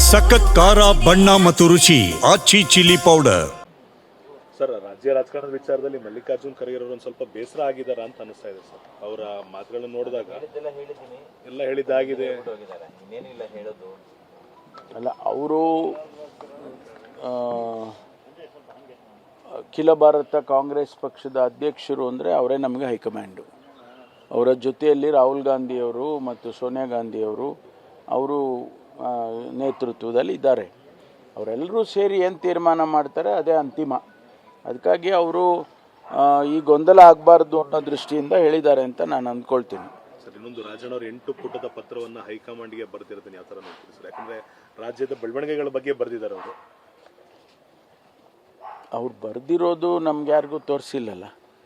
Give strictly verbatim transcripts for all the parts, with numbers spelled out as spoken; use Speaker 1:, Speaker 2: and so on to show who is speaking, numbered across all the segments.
Speaker 1: ಸಖತ್ ಖಾರ ಬಣ್ಣ ಮತ್ತು ರುಚಿ ಆಚಿ ಚಿಲ್ಲಿ ಪೌಡರ್.
Speaker 2: ಸರ್, ರಾಜ್ಯ ರಾಜಕಾರಣದ ವಿಚಾರದಲ್ಲಿ ಮಲ್ಲಿಕಾರ್ಜುನ್ ಖರ್ಗೆ ಅವರು ಒಂದು ಸ್ವಲ್ಪ ಬೇಸರ ಆಗಿದ್ದಾರೆ ಅಂತ ಅನಿಸ್ತಾ ಇದೆ ಸರ್. ಅವರ ಮಾತುಗಳನ್ನು ನೋಡಿದಾಗ ಎಲ್ಲ ಹೇಳಿದ್ದಾಗಿದೆ.
Speaker 3: ಅಲ್ಲ, ಅವರು ಅಖಿಲ ಭಾರತ ಕಾಂಗ್ರೆಸ್ ಪಕ್ಷದ ಅಧ್ಯಕ್ಷರು ಅಂದರೆ ಅವರೇ ನಮಗೆ ಹೈಕಮಾಂಡು. ಅವರ ಜೊತೆಯಲ್ಲಿ ರಾಹುಲ್ ಗಾಂಧಿಯವರು ಮತ್ತು ಸೋನಿಯಾ ಗಾಂಧಿಯವರು ಅವರು ನೇತೃತ್ವದಲ್ಲಿ ಇದ್ದಾರೆ. ಅವರೆಲ್ಲರೂ ಸೇರಿ ಏನು ತೀರ್ಮಾನ ಮಾಡ್ತಾರೆ ಅದೇ ಅಂತಿಮ. ಅದಕ್ಕಾಗಿ ಅವರು ಈ ಗೊಂದಲ ಆಗಬಾರ್ದು ಅನ್ನೋ ದೃಷ್ಟಿಯಿಂದ ಹೇಳಿದ್ದಾರೆ ಅಂತ ನಾನು ಅಂದ್ಕೊಳ್ತೀನಿ.
Speaker 2: ಸರ್, ಇನ್ನೊಂದು ರಾಜಣ್ಣ ಅವರು ಎಂಟು ಪುಟದ ಪತ್ರವನ್ನು ಹೈಕಮಾಂಡ್ಗೆ ಬರೆದಿರೋದನ್ನ ಯಾವ ಥರ ನೋಡ್ತೀವಿ ಸರ್? ಯಾಕಂದರೆ ರಾಜ್ಯದ ಬೆಳವಣಿಗೆಗಳ ಬಗ್ಗೆ ಬರೆದಿದ್ದಾರೆ ಅವರು.
Speaker 3: ಅವ್ರು ಬರೆದಿರೋದು ನಮ್ಗೆ ಯಾರಿಗೂ ತೋರಿಸಿಲ್ಲಲ್ಲ,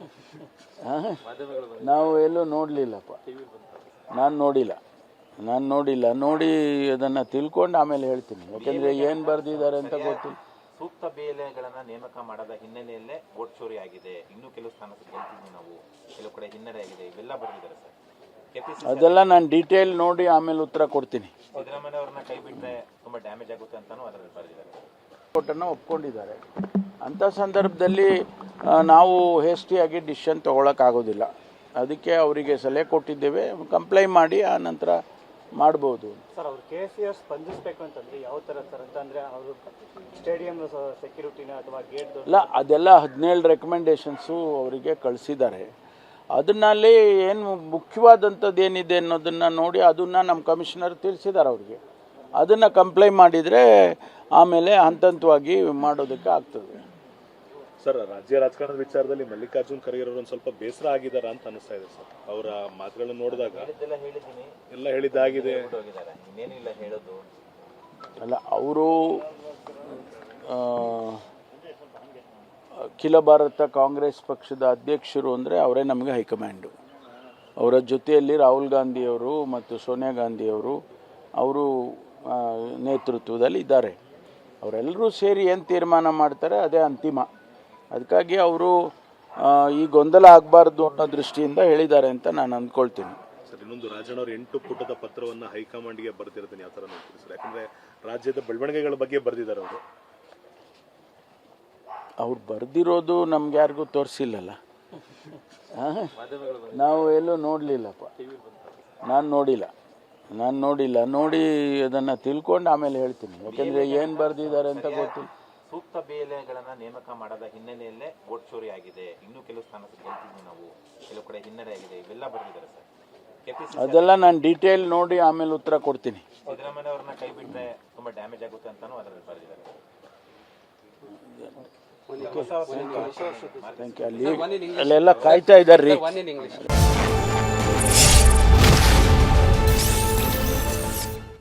Speaker 3: ನಾವು ಎಲ್ಲೂ ನೋಡಲಿಲ್ಲಪ್ಪ. ನಾನು ನೋಡಿಲ್ಲ ನಾನು ನೋಡಿಲ್ಲ ನೋಡಿ ಅದನ್ನು ತಿಳ್ಕೊಂಡು ಆಮೇಲೆ ಹೇಳ್ತೀನಿ. ಯಾಕಂದರೆ ಏನು ಬರೆದಿದ್ದಾರೆ ಅಂತ ಗೊತ್ತಿಲ್ಲ.
Speaker 4: ಸೂಕ್ತ ಬೇಲೆಗಳನ್ನ ನೇಮಕ ಮಾಡದ ಹಿನ್ನೆಲೆಯಲ್ಲೇ ವೋಟ್ ಚೋರಿ ಆಗಿದೆ, ಇನ್ನೂ ಕೆಲವು ಸ್ಥಾನ ಗೆಲ್ತಿದ್ವಿ ನಾವು, ಕೆಲವು ಕಡೆ ಹಿನ್ನಡೆ ಆಗಿದೆ, ಇವೆಲ್ಲ ಬರೆದಿದ್ದಾರೆ ಸರ್.
Speaker 3: ಅದೆಲ್ಲ ನಾನು ಡೀಟೇಲ್ ನೋಡಿ ಆಮೇಲೆ ಉತ್ತರ ಕೊಡ್ತೀನಿ.
Speaker 4: ಸಿದ್ದರಾಮಯ್ಯ ಅವ್ರನ್ನ ಕೈ ಬಿಟ್ಟರೆ ತುಂಬಾ ಡ್ಯಾಮೇಜ್ ಆಗುತ್ತೆ ಅಂತಾನೂ ಅದರಲ್ಲಿ ಬರೆದಿದ್ದಾರೆ.
Speaker 3: ಕೋರ್ಟನ್ನು ಒಪ್ಕೊಂಡಿದ್ದಾರೆ. ಅಂಥ ಸಂದರ್ಭದಲ್ಲಿ ನಾವು ಹೇಸ್ಟಿಯಾಗಿ ಡಿಸಿಷನ್ ತೊಗೊಳಕ್ಕಾಗೋದಿಲ್ಲ. ಅದಕ್ಕೆ ಅವರಿಗೆ ಸಲಹೆ ಕೊಟ್ಟಿದ್ದೇವೆ, ಕಂಪ್ಲೈ ಮಾಡಿ ಆ ನಂತರ ಮಾಡ್ಬೋದು.
Speaker 5: ಸರ್, ಅವರು ಕೆ ಸಿ ಆರ್ ಸ್ಪಂದಿಸಬೇಕು ಅಂತಂದ್ರೆ ಯಾವ ಥರ ಸರ್? ಅಂತಂದರೆ ಅವರು ಸ್ಟೇಡಿಯಂ ಸೆಕ್ಯೂರಿಟಿನ ಅಥವಾ ಗೇಟ್
Speaker 3: ಇಲ್ಲ, ಅದೆಲ್ಲ ಹದಿನೇಳು ರೆಕಮೆಂಡೇಶನ್ಸು ಅವರಿಗೆ ಕಳಿಸಿದ್ದಾರೆ. ಅದನ್ನಲ್ಲಿ ಏನು ಮುಖ್ಯವಾದಂಥದ್ದು ಏನಿದೆ ಅನ್ನೋದನ್ನು ನೋಡಿ ಅದನ್ನು ನಮ್ಮ ಕಮಿಷನರ್ ತಿಳಿಸಿದ್ದಾರೆ ಅವರಿಗೆ. ಅದನ್ನು ಕಂಪ್ಲೈ ಮಾಡಿದರೆ ಆಮೇಲೆ ಹಂತ ಹಂತವಾಗಿ ಮಾಡೋದಕ್ಕೆ ಆಗ್ತದೆ.
Speaker 2: ಸರ್, ರಾಜ್ಯ ರಾಜಕಾರಣದ ವಿಚಾರದಲ್ಲಿ ಮಲ್ಲಿಕಾರ್ಜುನ್ ಖರ್ಗೆ ಅವರು ಒಂದು ಸ್ವಲ್ಪ ಬೇಸರ ಆಗಿದ್ದಾರೆ ಅಂತ ಅನಿಸ್ತಾ ಇದೆ ಸರ್. ಅವರ ಮಾತುಗಳನ್ನು ನೋಡಿದಾಗ ಎಲ್ಲ ಹೇಳಿದ್ದಾಗಿದೆ.
Speaker 3: ಅಲ್ಲ, ಅವರು ಅಖಿಲ ಭಾರತ ಕಾಂಗ್ರೆಸ್ ಪಕ್ಷದ ಅಧ್ಯಕ್ಷರು ಅಂದರೆ ಅವರೇ ನಮಗೆ ಹೈಕಮಾಂಡು. ಅವರ ಜೊತೆಯಲ್ಲಿ ರಾಹುಲ್ ಗಾಂಧಿಯವರು ಮತ್ತು ಸೋನಿಯಾ ಗಾಂಧಿಯವರು ಅವರು ನೇತೃತ್ವದಲ್ಲಿ ಇದ್ದಾರೆ. ಅವರೆಲ್ಲರೂ ಸೇರಿ ಏನು ತೀರ್ಮಾನ ಮಾಡ್ತಾರೆ ಅದೇ ಅಂತಿಮ. ಅದಕ್ಕಾಗಿ ಅವರು ಈ ಗೊಂದಲ ಆಗಬಾರ್ದು ಅನ್ನೋ ದೃಷ್ಟಿಯಿಂದ ಹೇಳಿದ್ದಾರೆ ಅಂತ ನಾನು ಅಂದ್ಕೊಳ್ತೀನಿ.
Speaker 2: ಸರ್, ಇನ್ನೊಂದು ರಾಜಣ್ಣ ಅವರು ಎಂಟು ಪುಟದ ಪತ್ರವನ್ನು ಹೈಕಮಾಂಡ್ಗೆ ಬರೆದಿರೋದನ್ನ ಯಾವ ಥರ ನೋಡ್ತೀವಿ ಸರ್? ಯಾಕಂದರೆ ರಾಜ್ಯದ ಬೆಳವಣಿಗೆಗಳ ಬಗ್ಗೆ ಬರೆದಿದ್ದಾರೆ ಅವರು.
Speaker 3: ಅವ್ರು ಬರೆದಿರೋದು ನಮ್ಗೆ ಯಾರಿಗೂ ತೋರಿಸಿಲ್ಲಲ್ಲ, ನಾವು ಎಲ್ಲೂ ನೋಡಲಿಲ್ಲಪ್ಪ. ನಾನು ನೋಡಿಲ್ಲ ನಾನು ನೋಡಿಲ್ಲ ನೋಡಿ ಅದನ್ನು ತಿಳ್ಕೊಂಡು ಆಮೇಲೆ ಹೇಳ್ತೀನಿ. ಯಾಕಂದರೆ ಏನು ಬರೆದಿದ್ದಾರೆ ಅಂತ ಗೊತ್ತಿಲ್ಲ.
Speaker 4: ಸೂಕ್ತ ಬೇಲೆಗಳನ್ನ ನೇಮಕ ಮಾಡದ ಹಿನ್ನೆಲೆಯಲ್ಲೇ ವೋಟ್ ಚೋರಿ ಆಗಿದೆ, ಇನ್ನೂ ಕೆಲವು ಸ್ಥಾನ ಗೆಲ್ತಿದ್ವಿ ನಾವು, ಕೆಲವು ಕಡೆ ಹಿನ್ನಡೆ ಆಗಿದೆ, ಇವೆಲ್ಲ ಬರೆದಿದ್ದಾರೆ ಸರ್.
Speaker 3: ಅದೆಲ್ಲ ನಾನು ಡೀಟೇಲ್ ನೋಡಿ ಆಮೇಲೆ ಉತ್ತರ ಕೊಡ್ತೀನಿ.
Speaker 4: ಸಿದ್ದರಾಮಯ್ಯ ಅವ್ರನ್ನ ಕೈ ಬಿಟ್ಟರೆ ತುಂಬಾ ಡ್ಯಾಮೇಜ್ ಆಗುತ್ತೆ ಅಂತಾನೂ ಅದರಲ್ಲಿ ಬರೆದಿದ್ದಾರೆ.
Speaker 3: Thank you. ಅಲ್ಲಿ ಅಲ್ಲೆಲ್ಲ ಕಾಯ್ತಾ ಇದ್ದಾರೆ ರೀ.